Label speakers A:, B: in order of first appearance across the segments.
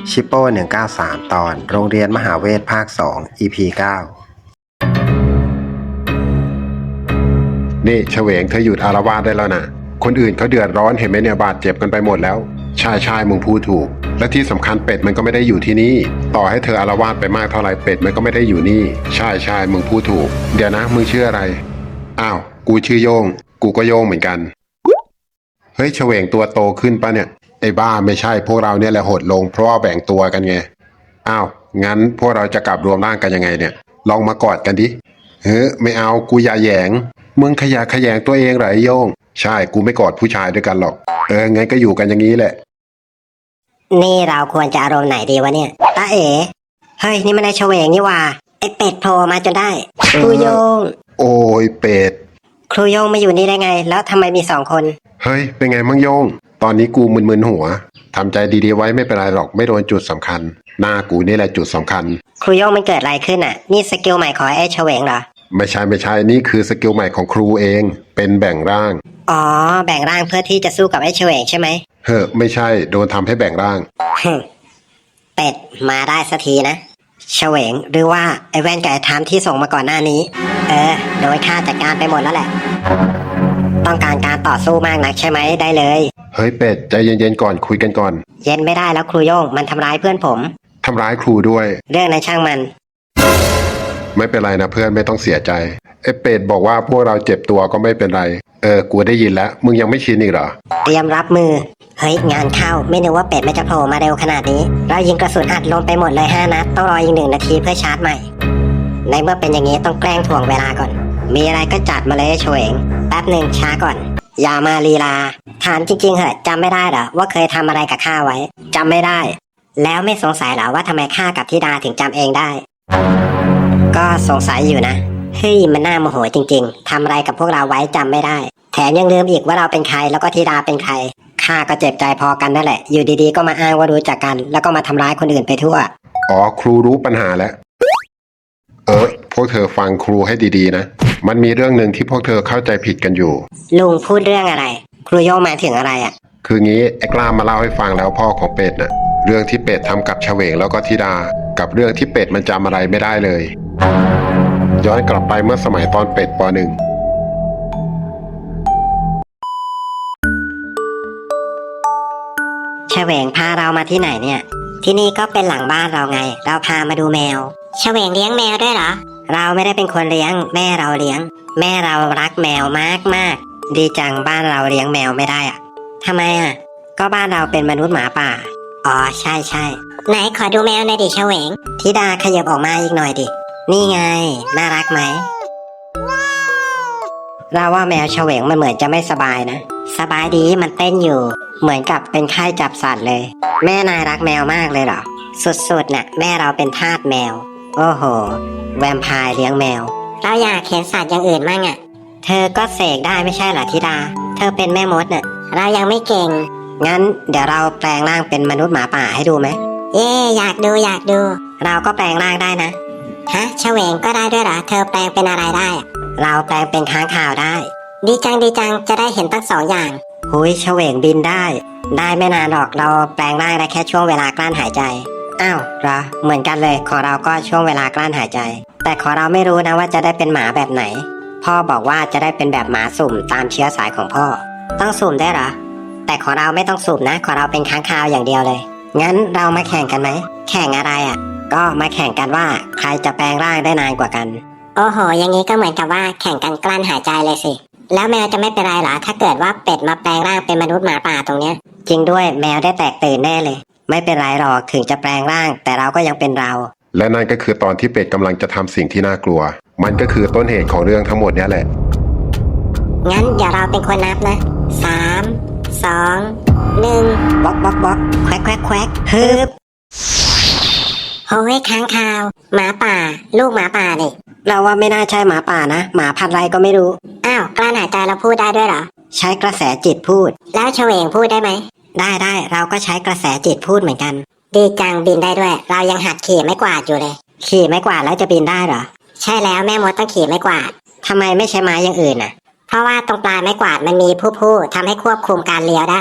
A: ชิปโป้193 ตอนโรงเรียนมหาเวทภาค 2 EP 9
B: นี่เฉวงเธอหยุดอารวาสได้แล้วนะคนอื่นเขาเดือดร้อนเห็นไหมเนี่ยบาดเจ็บกันไปหมดแล้วใช่มึงพูดถูกและที่สำคัญเป็ดมันก็ไม่ได้อยู่ที่นี่ต่อให้เธออารวาสไปมากเท่าไรเป็ดมันก็ไม่ได้อยู่นี่ใช่มึงพูดถูกเดี๋ยวนะมึงชื่ออะไรอ้าวกูชื่อโยงกูก็โยงเหมือนกันเฮ้ยเฉวงตัวโตขึ้นปะเนี่ยไอ้บ้าไม่ใช่พวกเราเนี่ยแหละหดลงเพราะว่าแบ่งตัวกันไงอ้าวงั้นพวกเราจะกลับรวมร่างกันยังไงเนี่ยลองมากอดกันดิเฮ้ยไม่เอากูอย่าแหยงมึงขยงตัวเองเหรอไอ้โยงใช่กูไม่กอดผู้ชายด้วยกันหรอกงั้นก็อยู่กันอย่างนี้แหละ
C: นี่เราควรจะอารมณ์ไหนดีวะเนี่ยตาเอ๋เฮ้ยนี่มันไอ้เฉวงนี่ว่าไอ้เป็ดโผล่มาจนได้ครูโยง
B: โอ้ยเป็ด
C: ครูโยงมาอยู่นี่ได้ไงแล้วทำไมมี2 คน
B: เฮ้ยเป็นไงมั่งโยงตอนนี้กูมึนๆหัวทำใจดีๆไว้ไม่เป็นไรหรอกไม่โดนจุดสำคัญหน้ากูนี่แหละจุดสำคัญ
C: ครูโยงมันเกิดอะไรขึ้นอ่ะนี่สกิลใหม่ของไอ้เฉวงเหรอ
B: ไม่ใช่นี่คือสกิลใหม่ของครูเองเป็นแบ่งร่าง
C: อ๋อแบ่งร่างเพื่อที่จะสู้กับไอ้เฉวงใช่ไหม
B: เฮ้ไม่ใช่โดนทำให้แบ่งร่าง
C: เป็ดมาได้สักทีนะเฉวงหรือว่าไอ้แว่นกับไอ้ทามที่ส่งมาก่อนหน้านี้โดยข้าจัดการไปหมดแล้วแหละต้องการการต่อสู้มากนักใช่ไหมได้เลย
B: เฮ้ยเป็ดใจเย็นๆก่อนคุยกันก่อน
C: เย็นไม่ได้แล้วครูโย่งมันทำร้ายเพื่อนผม
B: ทำร้ายครูด้วย
C: เรื่องนั้นช่างมัน
B: ไม่เป็นไรนะเพื่อนไม่ต้องเสียใจไอ้เป็ดบอกว่าพวกเราเจ็บตัวก็ไม่เป็นไรกูได้ยินแล้วมึงยังไม่ชินอีกเหรอ
C: เตรียมรับมือเฮ้ยงานเข้าไม่นึกว่าเป็ดมันจะโผล่มาเร็วขนาดนี้เรายิงกระสุนอัดลงไปหมดเลย5 นัดต้องรออีก1 นาทีเพื่อชาร์จใหม่ในเมื่อเป็นอย่างนี้ต้องแกล้งถ่วงเวลาก่อนมีอะไรก็จัดมาเลยเฉวงแป๊บหนึ่งช้าก่อนอย่ามาลีลาถามจริงๆเหอะจำไม่ได้เหรอว่าเคยทำอะไรกับข้าไว้จำไม่ได้แล้วไม่สงสัยเหรอว่าทำไมข้ากับธิดาถึงจำเองได้ก็สงสัยอยู่นะเฮ้ยมันน่าโมโหจริงๆทำอะไรกับพวกเราไว้จำไม่ได้แถมยังลืมอีกว่าเราเป็นใครแล้วก็ธิดาเป็นใครข้าก็เจ็บใจพอกันนั่นแหละอยู่ดีๆก็มาอ้างว่ารู้จักกันแล้วก็มาทำร้ายคนอื่นไปทั่ว
B: อ๋อครูรู้ปัญหาแล้วพวกเธอฟังครูให้ดีๆนะมันมีเรื่องหนึ่งที่พวกเธอเข้าใจผิดกันอยู่
C: ลุงพูดเรื่องอะไรครูโยงหมายถึงอะไรอ่ะ
B: คืองี้ไอ้กล้ามาเล่าให้ฟังแล้วพ่อของเป็ดน่ะเรื่องที่เป็ดทำกับเฉวงแล้วก็ธิดากับเรื่องที่เป็ดมันจำอะไรไม่ได้เลยย้อนกลับไปเมื่อสมัยตอนเป็ดป.1
C: เฉวงพาเรามาที่ไหนเนี่ยที่นี่ก็เป็นหลังบ้านเราไงเราพามาดูแมวเฉวงเลี้ยงแมวด้วยเหรอเราไม่ได้เป็นคนเลี้ยงแม่เราเลี้ยงแม่เรารักแมวมากดีจังบ้านเราเลี้ยงแมวไม่ได้อะทำไมอ่ะก็บ้านเราเป็นมนุษย์หมาป่าอ๋อใช่ไหนขอดูแมวหน่อยดิเฉวงธิดาขยับออกมาอีกหน่อยดินี่ไงน่ารักไหมเราว่าแมวเฉวงมันเหมือนจะไม่สบายนะสบายดีมันเต้นอยู่เหมือนกับเป็นไข้จับสัตว์เลยแม่นายรักแมวมากเลยเหรอสุดๆน่ะแม่เราเป็นทาสแมวโอ้โหแวมไพร์เลี้ยงแมวเราอยากเห็นสัตว์อย่างอื่นมั่งอ่ะเธอก็เสกได้ไม่ใช่เหรอธิดาเธอเป็นแม่มดน่ะเรายังไม่เก่งงั้นเดี๋ยวเราแปลงร่างเป็นมนุษย์หมาป่าให้ดูไหมเย่อยากดูเราก็แปลงร่างได้นะฮะเฉวงก็ได้ด้วยเหรอเธอแปลงเป็นอะไรได้เราแปลงเป็นค้างคาวได้ดีจังจะได้เห็นทั้ง2 อย่างหุยเฉวงบินได้ไม่นานหรอกเราแปลงร่างได้แค่ช่วงเวลากลั้นหายใจอ้าวเหรอเหมือนกันเลยของเราก็ช่วงเวลากลั้นหายใจแต่ของเราไม่รู้นะว่าจะได้เป็นหมาแบบไหนพ่อบอกว่าจะได้เป็นแบบหมาสุ่มตามเชื้อสายของพ่อต้องสุ่มได้เหรอแต่ของเราไม่ต้องสุ่มนะของเราเป็นค้างคาวอย่างเดียวเลยงั้นเรามาแข่งกันไหมแข่งอะไรอ่ะก็มาแข่งกันว่าใครจะแปลงร่างได้นานกว่ากันโอ้โหอย่างนี้ก็เหมือนกับว่าแข่งกันกลั้นหายใจเลยสิแล้วแมวจะไม่เป็นไรหรอถ้าเกิดว่าเป็ดมาแปลงร่างเป็นมนุษย์หมาป่าตรงเนี้ยจริงด้วยแมวได้แตกตื่นแน่เลยไม่เป็นไรหรอกถึงจะแปลงร่างแต่เราก็ยังเป็นเรา
B: และนั่นก็คือตอนที่เป็ดกำลังจะทำสิ่งที่น่ากลัวมันก็คือต้นเหตุของเรื่องทั้งหมดนี้แหละ
C: งั้นเดี๋ยวเราเป็นคนนับนะ3 2 1บล็อกแควกฮึบโอ้ยค้างคาวหมาป่าลูกหมาป่านี่เราว่าไม่น่าใช่หมาป่านะหมาพันธุ์ไรก็ไม่รู้อ้าวกลั้นหายใจเราพูดได้ด้วยเหรอใช้กระแสจิตพูดแล้วเฉวงพูดได้ไหมได้เราก็ใช้กระแสจิตพูดเหมือนกันดีจังบินได้ด้วยเรายังหัดขี่ไม้กวาดอยู่เลยขี่ไม้กวาดแล้วจะบินได้เหรอใช่แล้วแม่มดต้องขี่ไม้กวาดทำไมไม่ใช้ไม้อย่างอื่นน่ะเพราะว่าตรงปลายไม้กวาดมันมีผู้ทำให้ควบคุมการเลี้ยวได้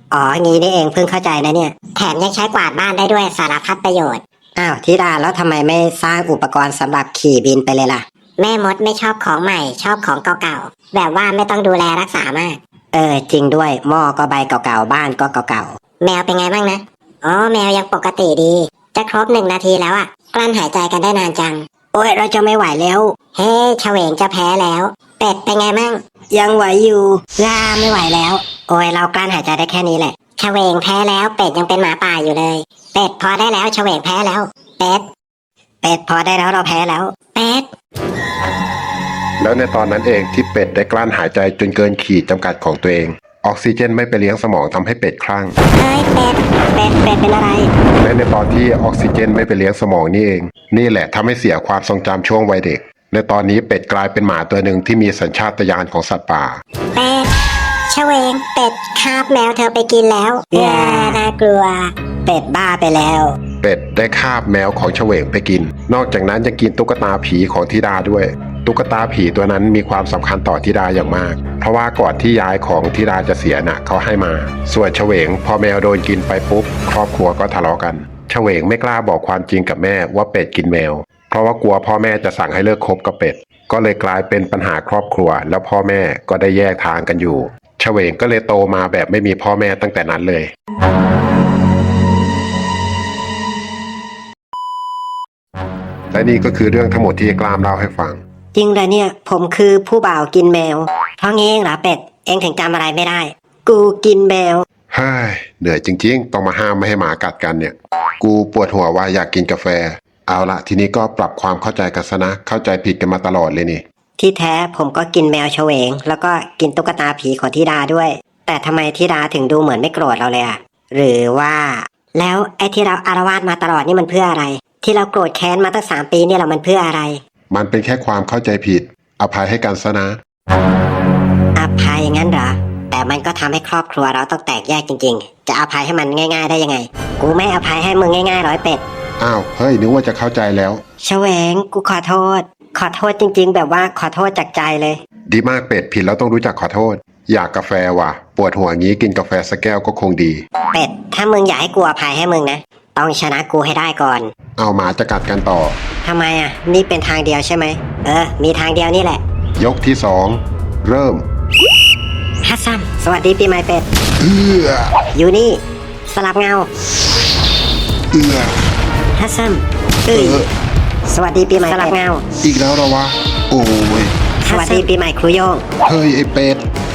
C: อ๋องี้นี่เองเพิ่งเข้าใจนะเนี่ยแถมยังใช้กวาดบ้านได้ด้วยสารพัดประโยชน์อ้าวธิดาแล้วทำไมไม่สร้างอุปกรณ์สำหรับขี่บินไปเลยล่ะแม่มดไม่ชอบของใหม่ชอบของเก่าๆแบบว่าไม่ต้องดูแลรักษามากจริงด้วยหม้อก็ใบเก่าๆบ้านก็เก่าๆแมวเป็นไงบ้างนะอ๋อแมวยังปกติดีจะครบ1 นาทีแล้วอะกลั้นหายใจกันได้นานจังโอ้ยเราจะไม่ไหวแล้วเฮ้เฉวงจะแพ้แล้วเป็ดเป็นไงมั่งยังไหวอยู่ไม่ไหวแล้วโอ้ยเรากลั้นหายใจได้แค่นี้แหละเฉวงแพ้แล้วเป็ดยังเป็นหมาป่าอยู่เลยเป็ดพอได้แล้วเฉวงแพ้แล้วเป็ดพอได้แล้วเราแพ้แล้วเป็ด
B: แล้วในตอนนั้นเองที่เป็ดได้กลั้นหายใจจนเกินขีดจำกัดของตัวเองออกซิเจนไม่ไปเลี้ยงสมองทำให้เป็ดคลั่ง
C: เฮ้ยเป็ดเป็นอะไร
B: และในตอนที่ออกซิเจนไม่ไปเลี้ยงสมองนี่เองนี่แหละทำให้เสียความทรงจำช่วงวัยเด็กในตอนนี้เป็ดกลายเป็นหมาตัวหนึ่งที่มีสัญชาตญาณของสัตว์ป่า
C: เป็ดเฉวงเป็ดคาบแมวเธอไปกินแล้วน่ากลัวเป็ดบ้าไปแล้ว
B: เป็ดได้คาบแมวของเฉวงไปกินนอกจากนั้นยังกินตุ๊กตาผีของธิดาด้วยตุ๊กตาผีตัวนั้นมีความสำคัญต่อธิดาอย่างมากเพราะว่าก่อนที่ยายของธิดาจะเสียน่ะเขาให้มาส่วนเฉวงพอแมวโดนกินไปปุ๊บครอบครัวก็ทะเลาะกันเฉวงไม่กล้าบอกความจริงกับแม่ว่าเป็ดกินแมวเพราะว่ากลัวพ่อแม่จะสั่งให้เลิกคบกับเป็ดก็เลยกลายเป็นปัญหาครอบครัวแล้วพ่อแม่ก็ได้แยกทางกันอยู่เฉวงก็เลยโตมาแบบไม่มีพ่อแม่ตั้งแต่นั้นเลยและนี่ก็คือเรื่องทั้งหมดที่กล้ามเล่าให้ฟัง
C: จริงเลยเนี่ยผมคือผู้บ่าวกินแมวเพราะงี้เองเหรอเป็ดเองถึงจำอะไรไม่ได้กูกินแมว
B: เฮ้ยเหนื่อยจริงๆต้องมาห้ามไม่ให้หมากัดกันเนี่ยกูปวดหัวว่าอยากกินกาแฟเอาละทีนี้ก็ปรับความเข้าใจกันซะนะเข้าใจผิดกันมาตลอดเลยนี่
C: ที่แท้ผมก็กินแมวเฉวงแล้วก็กินตุ๊กตาผีของธิดาด้วยแต่ทำไมธิดาถึงดูเหมือนไม่โกรธเราเลยอะหรือว่าแล้วไอ้ที่เราอารวาสมาตลอดนี่มันเพื่ออะไรที่เราโกรธแค้นมาตั้ง3 ปีเนี่ยเรามันเพื่ออะไร
B: มันเป็นแค่ความเข้าใจผิดอภัยให้กันซะนะ
C: อภัยงั้นเหรอแต่มันก็ทำให้ครอบครัวเราต้องแตกแยกจริงๆจะอภัยให้มันง่ายๆได้ยังไงกูไม่อภัยให้มึงง่ายๆร้อยเป็ด
B: อ้าวเฮ้ยนึกว่าจะเข้าใจแล้ว
C: เฉวงกูขอโทษจริงๆแบบว่าขอโทษจากใจเลย
B: ดีมากเป็ดผิดแล้วต้องรู้จักขอโทษอยากกาแฟว่ะปวดหัวงี้กินกาแฟสักแก้วก็คงดี
C: เป็ดถ้ามึงอยากให้กูอภัยให้มึงนะต้องชนะกูให้ได้ก่อน
B: เอาหมาจะกัดกันต่อ
C: ทำไมอ่ะนี่เป็นทางเดียวใช่ไหมมีทางเดียวนี่แหละ
B: ยกที่2เริ่ม
C: ฮัสซันสวัสดีปีใหม่เป็ดอยู่นี่สลับเงาฮัสซันสวัสดีปีใหม่สลับเงา
B: อีกแล้วเหรอวะโอ้ย
C: สวัสดีปีใหม่ครูโยง
B: เฮ้ยไอ้เป็ด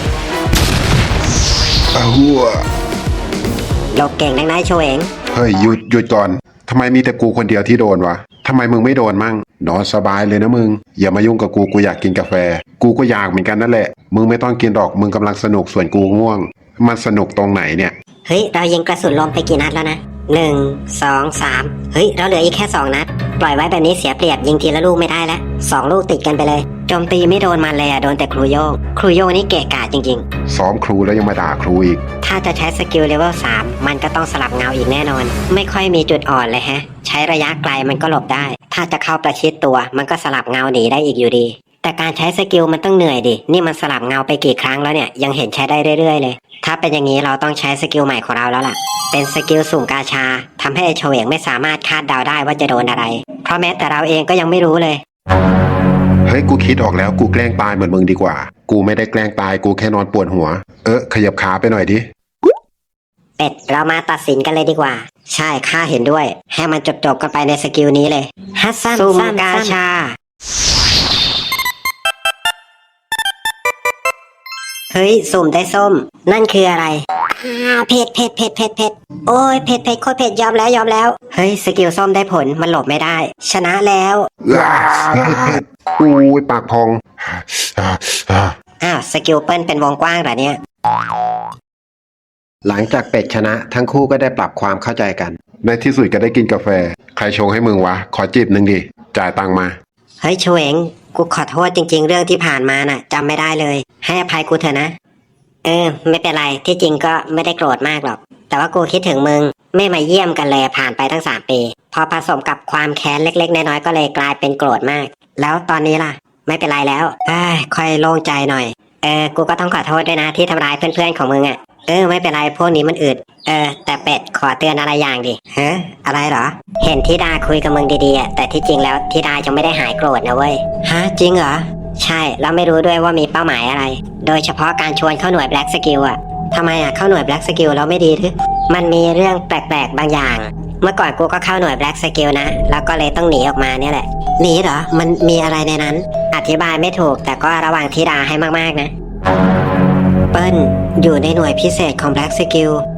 B: หัว
C: โลกเก่งนักนายโชเอง
B: เฮ้ยหยุดก่อนทำไมมีแต่กูคนเดียวที่โดนวะทำไมมึงไม่โดนมั่งนอนสบายเลยนะมึงอย่ามายุ่งกับกูอยากกินกาแฟกูก็อยากเหมือนกันนั่นแหละมึงไม่ต้องกินหรอกมึงกำลังสนุกส่วนกูง่วงมันสนุกตรงไหนเนี่ย
C: เฮ้ยเรายิงกระสุนลมไปกี่นัดแล้วนะ1 2 3เฮ้ยเราเหลืออีกแค่2 นัดปล่อยไว้แบบนี้เสียเปรียบยิงทีละลูกไม่ได้แล้ว2 ลูกติดกันไปเลยโจมตีไม่โดนมันเลยโดนแต่ครูโยงนี่เกะกะจริง
B: ๆซ้อมครูแล้วยังมาด่าครูอีก
C: ถ้าจะใช้สกิลเลเวล3มันก็ต้องสลับเงาอีกแน่นอนไม่ค่อยมีจุดอ่อนเลยฮะใช้ระยะไกลมันก็หลบได้ถ้าจะเข้าประชิดตัวมันก็สลับเงาหนีได้อีกอยู่ดีแต่การใช้สกิลมันต้องเหนื่อยดินี่มันสลับเงาไปกี่ครั้งแล้วเนี่ยยังเห็นใช้ได้เรื่อยๆเลยถ้าเป็นอย่างนี้เราต้องใช้สกิลใหม่ของเราแล้วล่ะเป็นสกิลสุ่มกาชาทำให้เฉวงไม่สามารถคาดเดาได้ว่าจะโดนอะไรเพราะแม้แต่เราเองก็ยังไม่รู้เลย
B: เฮ้ยกูคิดออกแล้วกูแกล้งตายเหมือนมึงดีกว่ากูไม่ได้แกล้งตายกูแค่นอนปวดหัวขยับขาไปหน่อยดิ
C: เป็ดเรามาตัดสินกันเลยดีกว่าใช่ข้าเห็นด้วยให้มันจบกันไปในสกิลนี้เลยฮัสซันสุ่มกาชาเฮ้ยสุ่มได้ส้มนั่นคืออะไรเผ็ดโอ้ยเผ็ดโคตรเผ็ดยอมแล้วเฮ้ยสกิลส้มได้ผลมันหลบไม่ได้ชนะแล้ว
B: เผ็ดอุ้ยปากพอง
C: สกิลเปิ้ลเป็นวงกว้างเหรอเนี่ย
A: หลังจากเป็ดชนะทั้งคู่ก็ได้ปรับความเข้าใจกัน
B: ในที่สุดก็ได้กินกาแฟใครชงให้มึงวะขอจิบนึงดิจ่ายตังค์มา
C: เฮ้ยเฉวงกูขอโทษจริงๆเรื่องที่ผ่านมาน่ะจำไม่ได้เลยให้อภัยกูเถอะนะไม่เป็นไรที่จริงก็ไม่ได้โกรธมากหรอกแต่ว่ากูคิดถึงมึงไม่มาเยี่ยมกันเลยผ่านไปตั้ง3 ปีพอผสมกับความแค้นเล็กๆน้อยๆก็เลยกลายเป็นโกรธมากแล้วตอนนี้ล่ะไม่เป็นไรแล้วค่อยโล่งใจหน่อยกูก็ต้องขอโทษด้วยนะที่ทำร้ายเพื่อนๆของมึงไม่เป็นไรพวกนี้มันอึดแต่เป็ดขอเตือนอะไรอย่างดิฮะอะไรเหรอเห็นธิดาคุยกับมึงดีๆอะแต่ที่จริงแล้วธิดายังไม่ได้หายโกรธนะเว้ยฮะจริงเหรอใช่แล้วไม่รู้ด้วยว่ามีเป้าหมายอะไร โดยเฉพาะการชวนเข้าหน่วย Black Skill อ่ะทำไมอ่ะเข้าหน่วย Black Skill แล้วไม่ดีหรือมันมีเรื่องแปลกๆบางอย่าง เมื่อก่อนกูก็เข้าหน่วย Black Skill นะแล้วก็เลยต้องหนีออกมาเนี่ยแหละหนีเหรอมันมีอะไรในนั้นอธิบายไม่ถูกแต่ก็ระวังธิดาให้มากๆนะเปิ้ลอยู่ในหน่วยพิเศษของ Black Skill